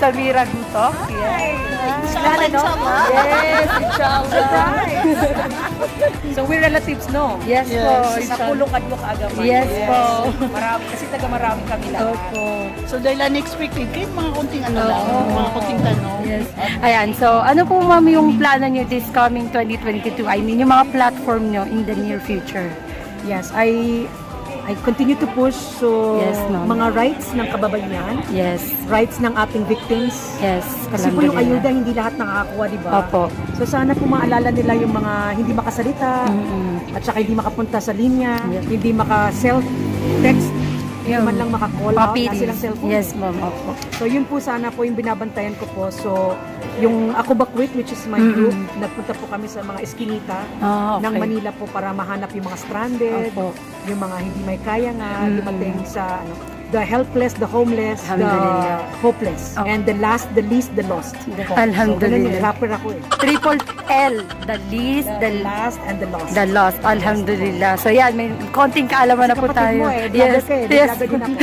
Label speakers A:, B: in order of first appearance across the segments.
A: Samira Gutok. Yes.
B: Inshallah.
A: Yes, inshallah.
C: So we're relatives, no?
A: Yes po.
C: Sa
A: inshallah.
C: pulong kadwa kaagaman.
A: Yes po.
C: Marami, kasi taga marami kami lahat.
A: Opo.
B: So dahil unexpected, kahit mga konting ano lang, mga konting tanong.
A: Yes. Ayan, so ano po ma'am yung plano nyo this coming 2022? I mean, yung mga platform nyo in the near future?
D: Yes, I continue to push
A: Yes, ma'am.
D: mga rights ng kababayan,
A: Yes.
D: rights ng ating victims.
A: Yes.
D: Kasi po yung
A: alhamdulillah.
D: ayuda hindi lahat nakakakuha, di ba?
A: Opo.
D: So sana po maalala nila yung mga hindi makasalita
A: Mm-mm.
D: at saka hindi makapunta sa linya,
A: Yes.
D: hindi maka-self-text, hindi
A: Yung
D: man lang maka-call out
A: Copy.
D: na silang cellphone.
A: Yes, ma'am. Opo.
D: So yun po sana po yung binabantayan ko po. So yung Ako Ba Quit, which is my
A: Mm-mm.
D: group, nagpunta po kami sa mga eskinita
A: Ah, okay.
D: ng Manila po para mahanap yung mga stranded,
A: Opo.
D: yung mga hindi may kaya nga,
A: Mm.
D: dumating sa the helpless, the homeless, the
A: Alhamdulillah.
D: hopeless,
A: Okay.
D: and the last, the least, the lost. Po.
A: Alhamdulillah.
D: So, ganun yun, rapper ako eh.
A: Triple L. The least,
D: The
A: the
D: last and the lost.
A: The lost. Alhamdulillah. So yan, may konting kaalaman na po
D: Kapatid
A: tayo.
D: mo eh, vlogger ka eh,
A: Yes.
D: vlogger din ako.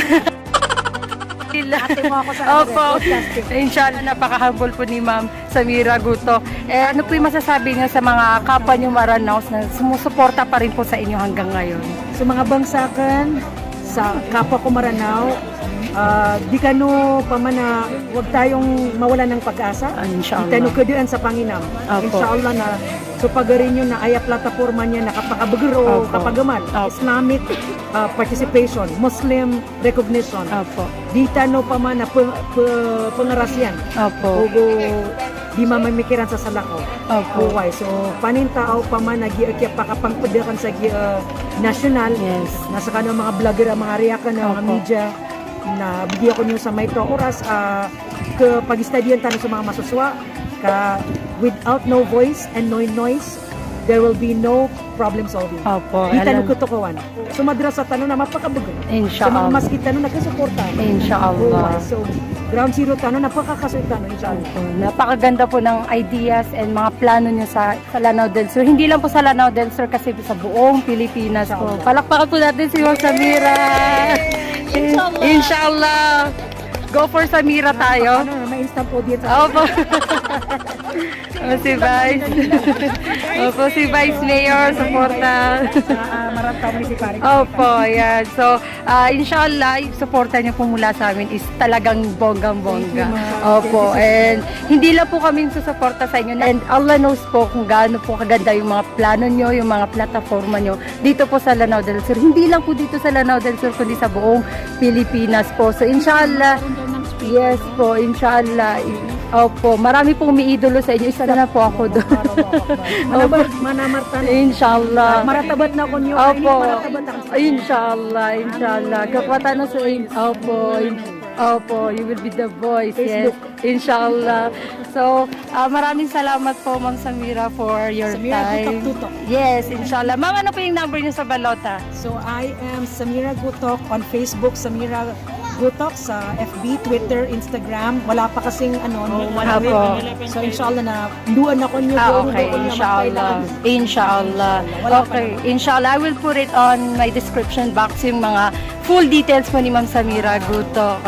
D: Ate mo ako sa
A: Opo.
D: podcasting.
A: Inshallah, napaka-humble po ni Ma'am Samira Gutok. Ano po yung masasabi niyo sa mga kapwa niyo Maranaos na sumusuporta pa rin po sa inyo hanggang ngayon?
D: Sa mga bangsakan, sa kapwa ko Maranao, di kano pa man na huwag tayong mawala ng pag-asa.
A: Inshallah.
D: Di tayo kuduan sa Panginam.
A: Opo.
D: Inshallah na so pagarin yun na aya plataforma niya na kapagabagro,
A: Opo.
D: kapagaman,
A: Opo.
D: Islamic participation, Muslim recognition.
A: Opo.
D: Di tano pa man na pangarasyan.
A: Opo.
D: Ogo di mamamikiran sa salako.
A: Opo.
D: Buhay. So panintao pa man nag-iakya pakapangpadakan sa national.
A: Yes.
D: Nasa kanang mga vlogger, mga reakan ng mga
A: Opo.
D: media na bigyan ko niyo sa may oras ke pag-studian tayo sa mga masuswa ka without no voice and no noise there will be no problem solving.
A: Opo.
D: Di tayo
A: Alam-
D: kutukuan. Sumadra sa tanong na mapakabugan. Sa mga
A: Inshallah.
D: maskit tanong nagkasuporta.
A: Inshallah.
D: So ground zero tanong napakakasuit tanong inshallah.
A: Opo. Napakaganda po ng ideas and mga plano niyo sa Lanao del Sur. Hindi lang po sa Lanao del Sur kasi sa buong Pilipinas po.
D: Inshallah.
A: Palakpakan po natin si Ma'am Samira.
B: Inshallah.
A: Inshallah. Go for Samira tayo.
D: Ano, may instant audience.
A: Opo. Si Vice. Opo, si Vice Mayor, suporta.
D: Marantaw Municipality.
A: Opo, yan. So, inshallah, yung suporta niyo po mula sa amin is talagang bonggang-bongga.
D: Thank you, ma'am.
A: Opo, and hindi lang po kami susuporta sa inyo. And Allah knows po kung gaano po kaganda yung mga plano niyo, yung mga plataforma niyo dito po sa Lanao del Sur. Hindi lang po dito sa Lanao del Sur, kundi sa buong Pilipinas po. So, inshallah, yes po, inshallah. Opo, marami pong umiidolo sa inyo. Isa na po ako doon.
D: Manamartan.
A: Inshallah.
D: Maratabat na ko niyo.
A: Opo.
D: Maratabat ako.
A: Inshallah, inshallah. Kapatan na sa Opo. Opo, you will be the voice. Yes.
D: Facebook.
A: Inshallah. So, maraming salamat po, Ma'am Samira, for your
D: Samira
A: time.
D: Gutok-Tutok.
A: Yes, inshallah. Ma'am, ano po yung number niyo sa balota?
D: So I am Samira Gutok on Facebook, Samira Gutok sa FB, Twitter, Instagram. Wala pa kasing ano, wala
A: Apo.
D: So inshallah na duan ako niyo
A: Okay, inshallah. Inshallah. Okay, inshallah. I will put it on my description box yung mga full details po ni Ma'am Samira Gutok.